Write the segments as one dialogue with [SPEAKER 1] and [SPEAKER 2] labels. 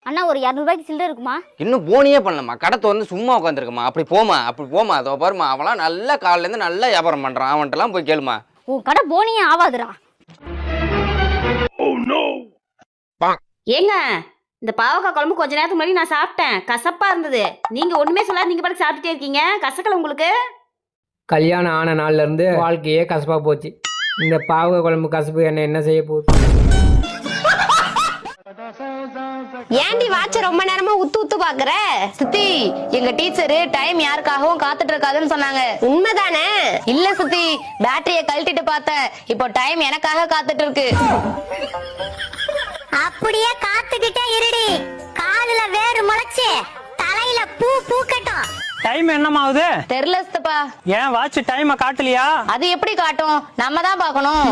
[SPEAKER 1] அண்ணா ஒரு 200 ரூபாய்க்கு சில்லறை இருக்குமா?
[SPEAKER 2] இன்னும் போனியே பண்ணலமா, கடை வந்து சும்மா உட்காந்துருக்கமா. அப்படி போமா அதோ பாருமா, அவன்லாம் நல்லா காலையில இருந்து நல்லா வியாபாரம் பண்றான். அவன்கிட்டலாம் போய் கேளுமா.
[SPEAKER 1] உன் கடை போனியே ஆவாதுடா.
[SPEAKER 3] ஏங்க இந்த பாவக்காய் குழம்பு கொஞ்ச நேரத்துக்கு முன்னாடி நான் சாப்பிட்டேன், கசப்பா இருந்தது. நீங்க ஒண்ணுமே சொல்லாத, நீங்க பாட்டு சாப்பிட்டுட்டே இருக்கீங்க. கசக்கல உங்களுக்கு?
[SPEAKER 4] கல்யாணம் ஆன நாள்ல இருந்து வாழ்க்கையே கசப்பா போச்சு. இந்த பாவக்காய் குழம்பு கசப்பு என்ன செய்ய போகுது?
[SPEAKER 5] ஏண்டி வாட்ச ரொம்ப நேரமா உத்து பாக்குற? சுத்தி, எங்க டீச்சரு டைம் யாருக்காகவும் காத்துட்டு இருக்காதுன்னு சொன்னாங்க. உண்மைதானே? இல்ல சுத்தி, பேட்டரிய கழட்டிட்டு பார்த்தேன். இப்போ டைம் எனக்காக காத்துட்டு இருக்கு.
[SPEAKER 6] அப்படியே காத்துக்கிட்டே இருடி. காலுல வேறு முளைச்சு தலையில பூ பூக்கட்டும்.
[SPEAKER 7] டைம் என்னமாவுது?
[SPEAKER 5] தெரியல சித்தப்பா.
[SPEAKER 7] ஏன் வாட்ச் டைம் காட்டலையா?
[SPEAKER 5] அது எப்படி காட்டும்? நம்ம தான் பார்க்கணும்.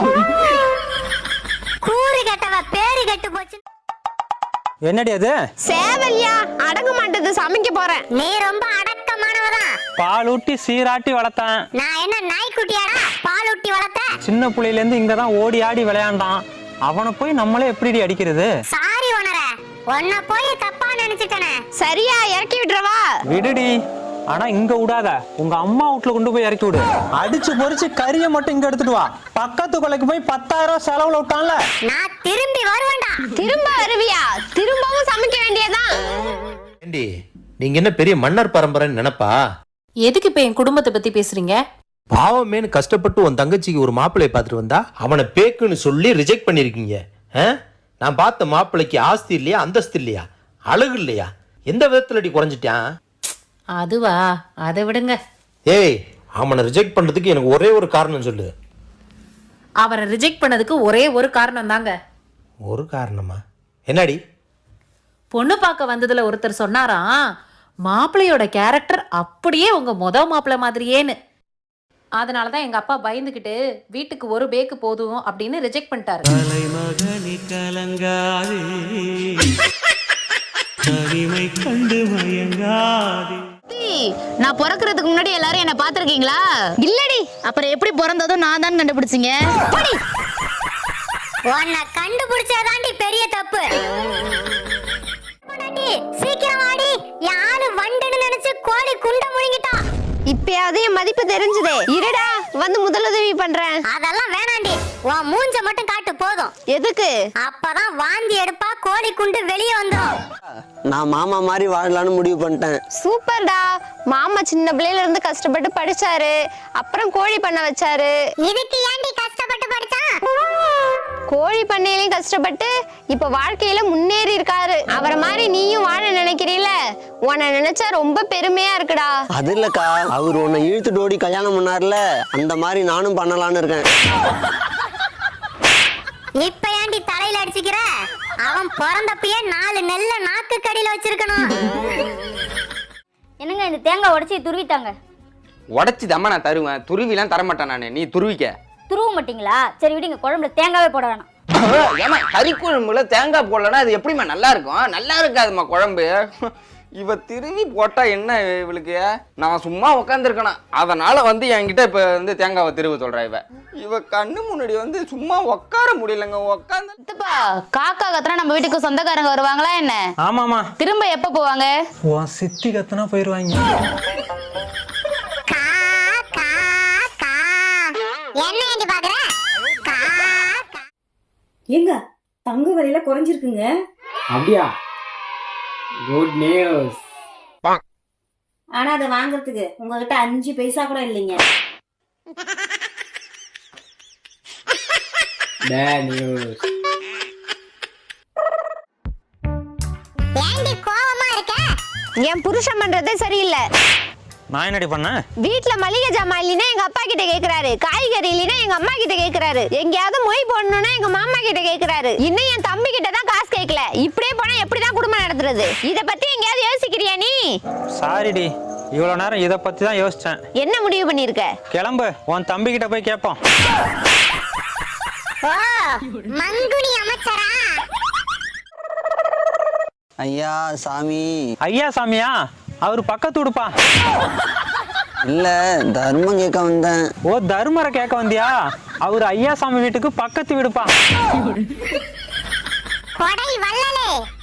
[SPEAKER 6] கூறு கெட்டவ பேரு கெட்டு போச்சு.
[SPEAKER 7] என்னடி அது?
[SPEAKER 5] சேவல்யா, அடங்க மாட்டது, சமைக்க போறேன்.
[SPEAKER 6] நீ ரொம்ப அடக்கமானவதான்.
[SPEAKER 7] பால் ஊட்டி சீராட்டி வளர்த்தேன்.
[SPEAKER 6] நான் என்ன நாய்க்குட்டியாடா பால் ஊட்டி வளர்த்த?
[SPEAKER 7] சின்ன புள்ளையில இருந்து இங்கதான் ஓடி ஆடி விளையாண்டான். அவனை போய் நம்மளே எப்படி அடிக்கிறது?
[SPEAKER 6] சாரி ஓனர, உன்னை போய் தப்பா நினைச்சிட்டனே.
[SPEAKER 5] சரியா, இறக்கி விடுறவா?
[SPEAKER 7] விடுடி, ஆனா இங்க விடாத. உங்க அம்மா வீட்டுல கொண்டு போய் இறக்கி விடு. அடிச்சு பொறிச்சு கறியை மட்டும் இங்க எடுத்துட்டு வா. பக்கத்து கொலைக்கு போய் 10,000 செலவுல விட்டான்ல.
[SPEAKER 6] நான் திரும்பி வருவேன்டா.
[SPEAKER 5] திரும்ப வருவியா? திரும்பவும் சமைக்க வேண்டியதான்.
[SPEAKER 8] ஏண்டி, நீங்க என்ன பெரிய மன்னர் பரம்பரைன்னு நினைப்பா?
[SPEAKER 9] எதுக்கு இப்ப என் குடும்பத்தை பத்தி பேசுறீங்க?
[SPEAKER 8] பாவமேனு கஷ்டப்பட்டு உன் தங்கச்சிக்கு ஒரு மாப்பிள்ளைய பார்த்துட்டு வந்தா அவனை பேக்குன்னு சொல்லி ரிஜெக்ட் பண்ணிருக்கீங்க. நான் பார்த்த மாப்பிள்ளைக்கு ஆஸ்தி இல்லையா, அந்தஸ்து இல்லையா, அழகு இல்லையா, எந்த விதத்துல அடி குறைஞ்சிட்டான்?
[SPEAKER 9] அதுவா, அதை விடுங்க.
[SPEAKER 8] ஏய், அவனை ரிஜெக்ட் பண்றதுக்கு எனக்கு ஒரே ஒரு காரணம் சொல்லு.
[SPEAKER 9] அவரை ரிஜெக்ட் பண்ணதுக்கு ஒரே ஒரு காரணம் தாங்க.
[SPEAKER 8] ஒரு காரணமா? என்னடி?
[SPEAKER 9] பொண்ணு பார்க்க வந்ததுல ஒருத்தர் சொன்னாராம், மாப்பிள்ளையோட கேரக்டர் அப்படியே உங்க மாப்பிள்ளை மாதிரியேன்னு. அதனாலதான் எங்க அப்பா பயந்துகிட்டு வீட்டுக்கு ஒரு பேக்கு போதும் அப்படின்னு ரிஜெக்ட் பண்ணிட்டாரு.
[SPEAKER 5] நான் பிறக்கிறதுக்கு முன்னாடி எல்லாரும் என்ன பாத்திருக்கீங்களா? இல்லடி. அப்புறம் எப்படி பிறந்ததும் நான் தான் கண்டுபிடிச்சீங்க.
[SPEAKER 6] உன்னை கண்டுபிடிச்சதாண்டி பெரிய தப்பு. சீக்கிரம் வாடி, யாரு வண்டுன்னு நினைச்சு கோழி குண்ட முழுங்கிட்டான்.
[SPEAKER 5] இப்பயாவது என் மதிப்பு தெரிஞ்சதே. இருடா, வந்து முதலுதவி பண்றேன்.
[SPEAKER 6] அதெல்லாம் வேணாண்டி, உன் மூஞ்ச மட்டும் காட்டு போதும்.
[SPEAKER 5] எதுக்கு?
[SPEAKER 6] அப்பதான் வாந்தி எடுப்பா, கோழி குண்டு வெளியே வந்துடும்.
[SPEAKER 10] நான் மாமா மாதிரி வாழலான்னு முடிவு பண்ணிட்டேன்.
[SPEAKER 5] சூப்பர்டா. மாமா சின்ன பிள்ளையில இருந்து கஷ்டப்பட்டு படிச்சாரு, அப்புறம் கோழி பண்ண வச்சாரு.
[SPEAKER 6] இதுக்கு ஏண்டி கஷ்டப்பட்டு படிச்சான்?
[SPEAKER 5] கோழி பண்ணையிலையும் கஷ்டப்பட்டு இப்ப வாழ்க்கையில முன்னேறி இருக்காரு. அவரை மாதிரி நீயும் வாழ நினைக்கிறீல? உன்னை நினைச்சா ரொம்ப பெருமையா இருக்குடா.
[SPEAKER 10] அது இல்லக்கா, அவர் உன்னை இழுத்துட்டு ஓடி கல்யாணம் பண்ணார்ல, அந்த மாதிரி நானும் பண்ணலான்னு இருக்கேன்.
[SPEAKER 6] இப்ப ஏண்டி தலையில அடிச்சுக்கிற? அவன் பிறந்தப்பயே 4 நெல்ல நாக்கு கடியில வச்சிருக்கணும்.
[SPEAKER 1] என்னங்க இந்த தேங்காய் உடைச்சி துருவிட்டாங்க.
[SPEAKER 2] உடச்சி தம்மா நான் தருவேன், துருவிலாம் தரமாட்டேன் நானு. நீ துருவிக்க.
[SPEAKER 1] துருவ மாட்டீங்களா? சரி விடுங்க, குழம்புல தேங்காவே போட வேணாம்.
[SPEAKER 2] ஏமா கறி குழம்புல தேங்காய் போடலன்னா அது எப்படிமா நல்லா இருக்கும்? நல்லா இருக்காதுமா குழம்பு. இவ திருவி போட்டா என்ன இவளுக்கு? நான் சும்மா உட்காந்துருக்கணும், அதனால வந்து என்கிட்ட இப்ப வந்து தேங்காவை திருவ சொல்றா. இவ கண்ணு முன்னாடி வந்து சும்மா உட்கார முடியலங்க. உட்காந்து
[SPEAKER 5] காக்கா கத்துனா நம்ம வீட்டுக்கு சொந்தக்காரங்க வருவாங்களா என்ன?
[SPEAKER 7] ஆமாமா.
[SPEAKER 5] திரும்ப எப்ப போவாங்க?
[SPEAKER 7] உன் சித்தி கத்துனா போயிருவாங்க.
[SPEAKER 6] என்ன ஏண்டி பாக்குற?
[SPEAKER 3] ஏங்க தங்க விலையில குறைஞ்சிருக்குங்க.
[SPEAKER 4] அப்படியா? Good news.
[SPEAKER 3] ஆனா அதை வாங்குறதுக்கு உங்ககிட்ட 5 பைசா கூட இல்லைங்க.
[SPEAKER 4] Bad news.
[SPEAKER 6] ஏண்டி கோவமா இருக்க?
[SPEAKER 5] என் புருஷன் பண்றதே சரியில்லை.
[SPEAKER 7] நான் என்னடி பண்ணேன்?
[SPEAKER 5] வீட்டுல மளிகை ஜாமான் இல்லைன்னா எங்க அப்பா கிட்ட கேக்குறாரு, காய்கறி இல்லைன்னா எங்க அம்மா கிட்ட கேக்குறாரு, எங்கேயாவது மொய் போடணும்னா எங்க மாமா கிட்ட கேக்குறாரு, இன்னும் என் தம்பி கிட்ட தான் காசு கேட்கல. இப்படியே போனா எப்படிதான் குடும்பம் நடத்துறது? இத பத்தி எங்கேயாவது யோசிக்கிறியா நீ?
[SPEAKER 7] சாரிடி, இவ்வளவு நேரம் இத பத்தி தான் யோசிச்சேன்.
[SPEAKER 5] என்ன முடிவு பண்ணிருக்க?
[SPEAKER 7] கிளம்பு, உன் தம்பி கிட்ட போய் கேட்போம்.
[SPEAKER 6] ஓ, மங்குனி அமைச்சரா?
[SPEAKER 10] ஐயா சாமி.
[SPEAKER 7] ஐயா சாமியா? அவரு பக்கத்து உடுப்பா.
[SPEAKER 10] இல்ல, தர்மம் கேட்க வந்தேன்.
[SPEAKER 7] ஓ, தர்மரை கேட்க வந்தியா? அவரு ஐயா சாமி வீட்டுக்கு பக்கத்து விடுப்பா.
[SPEAKER 6] கொடை வள்ளலே,